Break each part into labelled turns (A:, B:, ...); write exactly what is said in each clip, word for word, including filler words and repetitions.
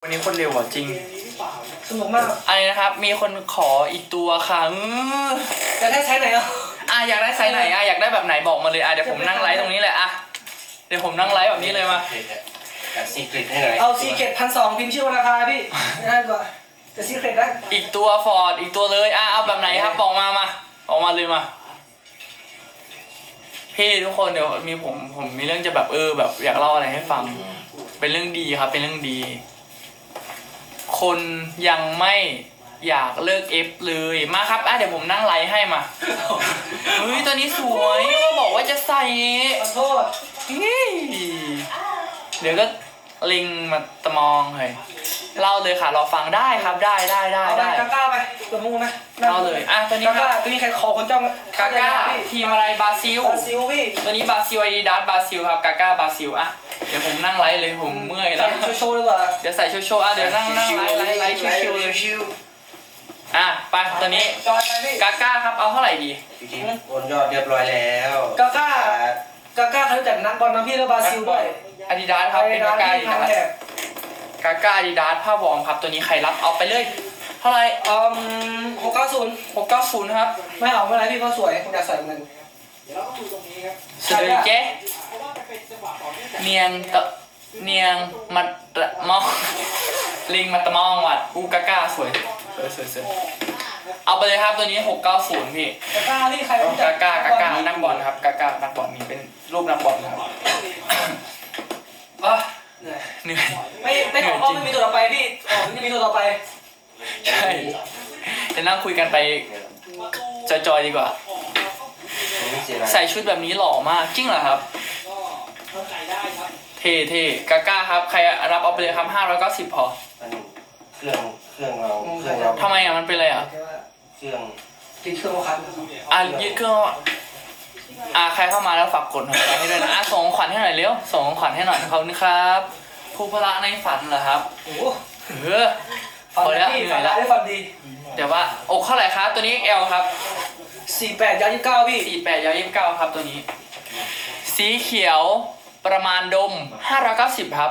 A: วันนี้คนเร็วอ่ะจริง
B: สนุกมาก
A: อะไรนะครับมีคนขออีกตัวค่ะ
B: อยากได้ไซส์ไหนอ่ะ
A: อ่ะอยากได้ไซส์ไหนอ่ะอยากได้แบบไหนบอกมาเลยอ่ะเดี๋ยวผมนั่งไลฟ์ตรงนี้แหละอ่ะเดี๋ยวผมนั่งไลฟ์แบบนี้เลยมา
C: ซีเกรตให้หน่อย
B: เอาซีเกตพันสองพิมพ์ชื่อราคาพี่ง่ายกว่าแต่ซีเกรตได้
A: อีกตัวฟอร์ดอีกตัวเลยอ่ะเอาแบบไหนครับบอกมามาบอกมาเลยมาพี่ทุกคนเดี๋ยวมีผมผมมีเรื่องจะแบบเออแบบอยากเล่าอะไรให้ฟังเป็นเรื่องดีครับเป็นเรื่องดีคนยังไม่อยากเลิกเอฟเลยมาครับอ่ะเดี๋ยวผมนั่งไลฟ์ให้มาเฮ้ยตัวนี้สวยเขาบอกว่าจะใส่
B: ขอโทษ
A: เดี๋ยวก็ลิงมาตะมองเลยเล่าเลยค่ะรอฟังได้ครับได้ได้ได้ได้
B: กาก้าไปตัวมูไหม
A: เล่าเลยอ่ะตัวนี้ครับ
B: ตัวนี้ใครคอคนจ้อง
A: กาก้าทีมอะไรบราซิล
B: บราซิลพี่
A: ตัวนี้บราซิลไอดีดัสบราซิลครับกาก้าบราซิลอ่ะเดี๋ยวผมนั่งไลฟ์เลยผมเมื่อยแล้ว
B: โชว์ๆดีกว่า
A: เดี๋ยวใส่โชว์โชว์อ่ะเดี๋ยวนั่งนั่งไลฟ์ไลฟ์ไลฟ์ชิวๆเลยอ่ะไปตัวนี้กาก้าครับเอาเท่าไหร่ดี
C: จริงๆโอนยอดเรียบร้อยแล้ว
B: กาก้ากาก้าเขาจัดนักบอลนะพี่แล้วบราซิลด้วย
A: อาดิดาสครับเป็นกาก้าอาดิดาสกาก้าอาดิดาสผ้าวอร์มครับตัวนี้ใครรับเอาไปเลยเท่าไหร่
B: อืมหกเก้าศูนย์
A: หกเก้าศูนย์ครับ
B: ไม่เอาไม่เป็นไรพี่เขาสวยผมอยากใส่เหมือนกัน
A: สวยเจ๊เนียงตะเนียงมัดมองลิงมัดตะมองวัดอูกาก้าสวยสวยสวยสวยเอาไปเลยครับตัวนี้หกเก้าศูนย์พี่
B: กาก้าที่ใคร
A: กาก้ากาก้านักบอลครับกาก้านักบอลมีเป็นรูปนักบอลครับ
B: อ่ะ
A: เหนื่อย
B: ไม่ไม่ออกไม่มีตัวต่อไปพี่ออกไม่มีตัวต่อไป
A: ใช่จะนั่งคุยกันไปจอยๆดีกว่าใส่ชุดแบบนี้หล่อมากจริงเหรอครับเท่เท่กาก้าครับใครรับเอาไปเลยครับห้าร้อยเก้าสิบพอ
C: เครื่องเครื่องเราเครื่องเรา
A: ทำไมอ่ะมันเป็นอะไรอ่ะ
C: เครื่อง
B: ติดเครื่องคัน
A: อ่ะยึดเครื่องอ่ะใครเข้ามาแล้วฝากกดหัวใจให้ด้วยนะอ่ะส่งขวัญให้หน่อยเร็วส่งขวัญให้หน่อยขอบคุณครับผู้พละในฝันเหรอครับ
B: โอ้
A: เออพอแล้วเหนื่อยแล้ว
B: ได้ฟันดี
A: เดี๋ยวว่าอกเท่าไหร่ครับตัวนี้ L ครับ
B: สี่แปดยาวยี่สิบเก้าพี่
A: สี่แปดยาวยี่สิบเก้าครับตัวนี้สีเขียวประมาณดมห้าร้อยเก้าสิบครับ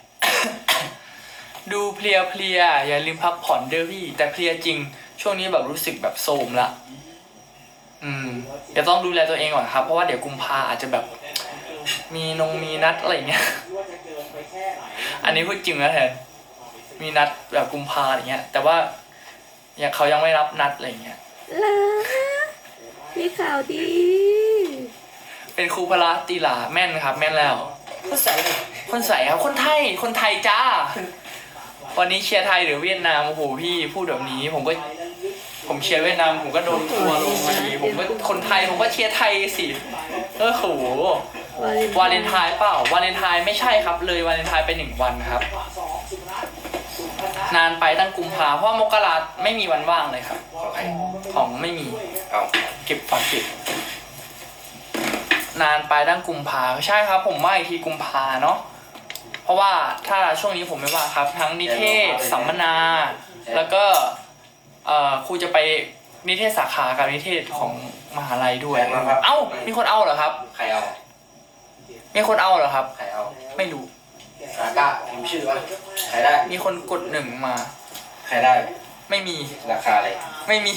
A: ดูเพลียเพลียอย่าลืมพักผ่อนเด้อพี่แต่เพลียจริงช่วงนี้แบบรู้สึกแบบโทรมละอืมเดี๋ยวต้องดูแลตัวเองก่อนครับเพราะว่าเดี๋ยวกุมภาอาจจะแบบมีนงมีนัดอะไรเงี้ยอันนี้พูดจริงนะแทนมีนัดแบบกุมภาอะไรเงี้ยแต่ว่าอย่างเขายังไม่รับนัดอะไรเงี้ย
D: ล่ะมีข่าวดี
A: เป็นครูพละตีหลาแม่นครับแม่นแล้ว
B: คนใส่
A: คนใส่ครับคนไทยคนไทยจ้าวันนี้เชียร์ไทยหรือเวียดนามโอ้โหพี่พูดแบบนี้ผมก็ผมเชียร์เวียดนามผมก็โดนทัวร์ลงมาดีผมก็คนไทยผมก็เชียร์ไทยสิเออโหวาเลนไทน์เปล่าวาเลนไทน์ไม่ใช่ครับเลยวาเลนไทน์ไปหนึ่งวันครับนานไปตั้งกุมภาเพราะมกราไม่มีวันว่างเลยครับของไม่มี
C: เอา
A: เก็บฝากเก็บนานไปตั้งกุมภาใช่ครับผมว่าอีกทีกุมภาเนาะเพราะว่าถ้าช่วงนี้ผมไม่ว่าครับทั้งนิเทศสัมมนาแล้วก็เอ่อครูจะไปนิเทศสาขากับนิเทศของมหาลัยด้วยเอ้ามีคนเอาเหรอครับ
C: ใครเอา
A: มีคนเอาเหรอครับ
C: ใครเอา
A: ไม่รู้
C: กาก้าพิมพ์ชื่อว่าใครได้
A: มีคนกดหนึ่งมา
C: ใครได้
A: ไม่มี
C: ราคาอะไร
A: ไม่มี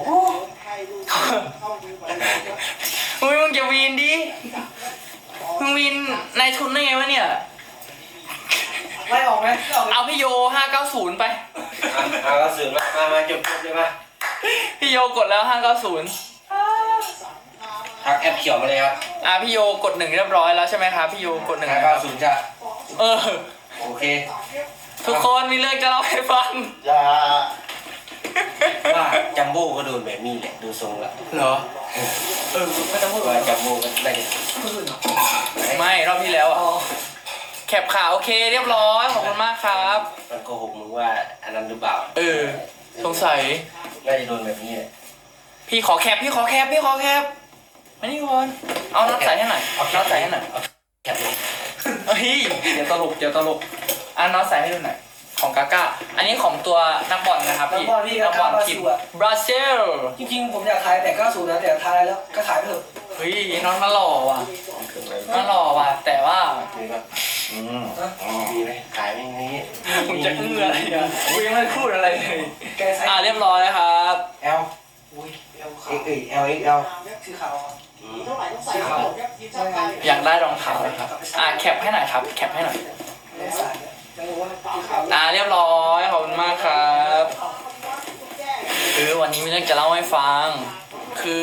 A: อุ้ยมึงจะวีนดิมึงวีนนายทุนได้ไงวะเนี่ย
B: ไล่ออกไหม
A: เอาพี่โยห้าเก้าศูนย์ไป
C: ห้าเก้าศูนย์มามามาจบจบเลยมา
A: พี่โยกดแล้วห้าเก้าศูนย์
C: ทักแอปเขียวมาเลยครับ
A: อ่ะพี่โยกดหนึ่งเรียบร้อยแล้วใช่ไหมครับพี่โยกดหนึ่ง
C: ห้าเก้าศูนย์จ้ะ
A: เออ
C: โอเค
A: ทุกคนมีเรื่องจะเล่าให้ฟัง
C: อย่าว่าจัมโบ้ก็โดนแบบนี้แหละดูทรงละ
A: เหรอเออไม่ต้องพูด
C: ว่าจัมโบ้ก็ได้
A: ไม่รอบที่แล้วอ่ะแคปข่าวโอเคเรียบร้อยขอบคุณมากครับ
C: มันโกหกมึงว่าอันนั้นหรือเปล่า
A: เออสงสัย
C: น่าจะโดนแบบนี้เลย
A: พี่ขอแคปพี่ขอแคปพี่ขอแคปมานี่ก่อนเอาน็อตใส่ให้หน่อยเอาน็อตใส่ให้หน่อย
C: แคปเลย
A: เฮ้ยเดี๋ยวตลกเดี๋ยวตลกอ่ะน็อตใส่ให้ดูหน่อยของกาก้าอันนี้ของตัวนักบอลนะครับพี่
B: นักบอล
A: ทีมบราซิล
B: จริงๆผมอยากขายแต่เก้าสิบนะแต่ขายแล้วก็ขายไปเถอะ
A: เฮ้ยน้องมาหล่อว่ะมาหล่อว่ะแต่ว่า
C: อืมดีเลยขายไม่งี้
A: มึงจะอื้ออะไรอ่ะกูยังไม่ได้พูดอะไรเลย
B: แกใส่
A: อ่าเรียบร้อยนะครับ
C: เอล
B: อุ้ยเอล
C: เอ็
B: ขาว
C: กเอลเอ็กเอล
B: สีขาวอ่ะ
C: สีขาว
A: อยากได้รองเท้าเลยครับ อ่าแคปให้หน่อยครับ แคปให้หน่อย
B: ไม่ใส่จะรู้ว่าสีขาว
A: อ่าเรียบร้อยขอบคุณมากครับคือวันนี้มีเรื่องจะเล่าให้ฟัง คือ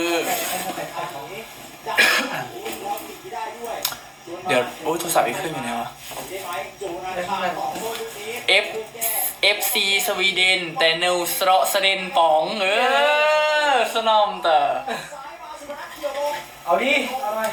A: เดี๋ยวโอ้ยโทรศัพท์อีกเครื่องอยู่ไหนวะ F F C สวีเดนแต่นิวสโตรสเดนป๋องเออสนอมแต่
B: เอาดิเอาหน่อย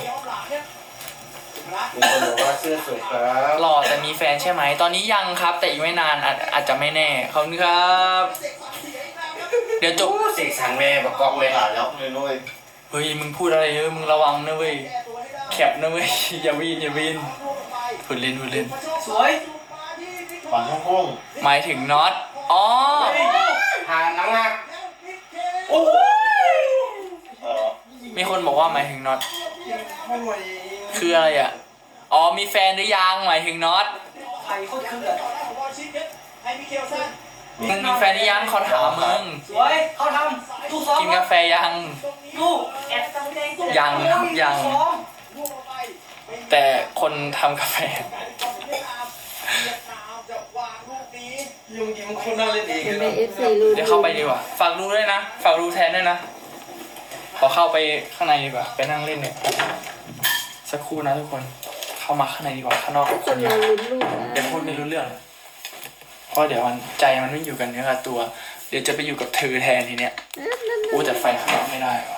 C: มีคนบอกว่าเสื้อสวยครับ
A: หล่อแต่มีแฟนใช่ไหม ตอนนี้ยังครับ แต่อีกไม่นานอาจอาจจะไม่แน่ขอบคุณครับ เดี๋ยวจบ
C: เสกสรรแม่ประกอบเลยแล้วเลยด้วย
A: เฮ้ยมึงพูดอะไรเยอะมึงระวังนะเว้ยแคปนะเว้ย อย่าวีนอย่าวีนพูดเล่นพูดเล่น
B: สวย
C: ฝันห้อง
A: หมายถึงน็อตอ๋อ
C: ๆหานังหัก
B: โอ้ย
C: เออ
A: มีคนบอกว่าหมายถึงน็อต
B: โอ้ย
A: คืออะไรอ่ะอ๋อมีแฟนหรือยังหมายถึงน็อต
B: ไข่โคตรคืออ่ะ
A: มึงมีแฟนหรือยังเขาถามมึง
B: สวยเขาทำตู้ซ้อม
A: กินกาแฟยัง
B: ตู้
A: ยังครับยัง
B: ซ้อม
A: แต่คนทำกาแฟ
C: ยุงยิ้มคนน่าเล่นเอง
D: เป็นไปเอฟซีรู้
A: เดี๋ยวเข้าไปดีกว่าฝากดูด้วยนะฝากดูแทนด้วยนะขอเข้าไปข้างในดีกว่าไปนั่งเล่นเนี่ยสักครู่นะทุกคนเข้ามาข้างในดีกว่าข้างนอก
D: ทุกคนรอลุ้นลูกนะ
A: เดี๋ยวพูดไม่รู้เรื่องเพราะเดี๋ยวมันใจมันไม่อยู่กันเนื้อกับตัว เดี๋ยวจะไปอยู่กับเธอแทนทีเนี้ยโอ้แต่ไฟข้างนอกไม่ได้ว่ะ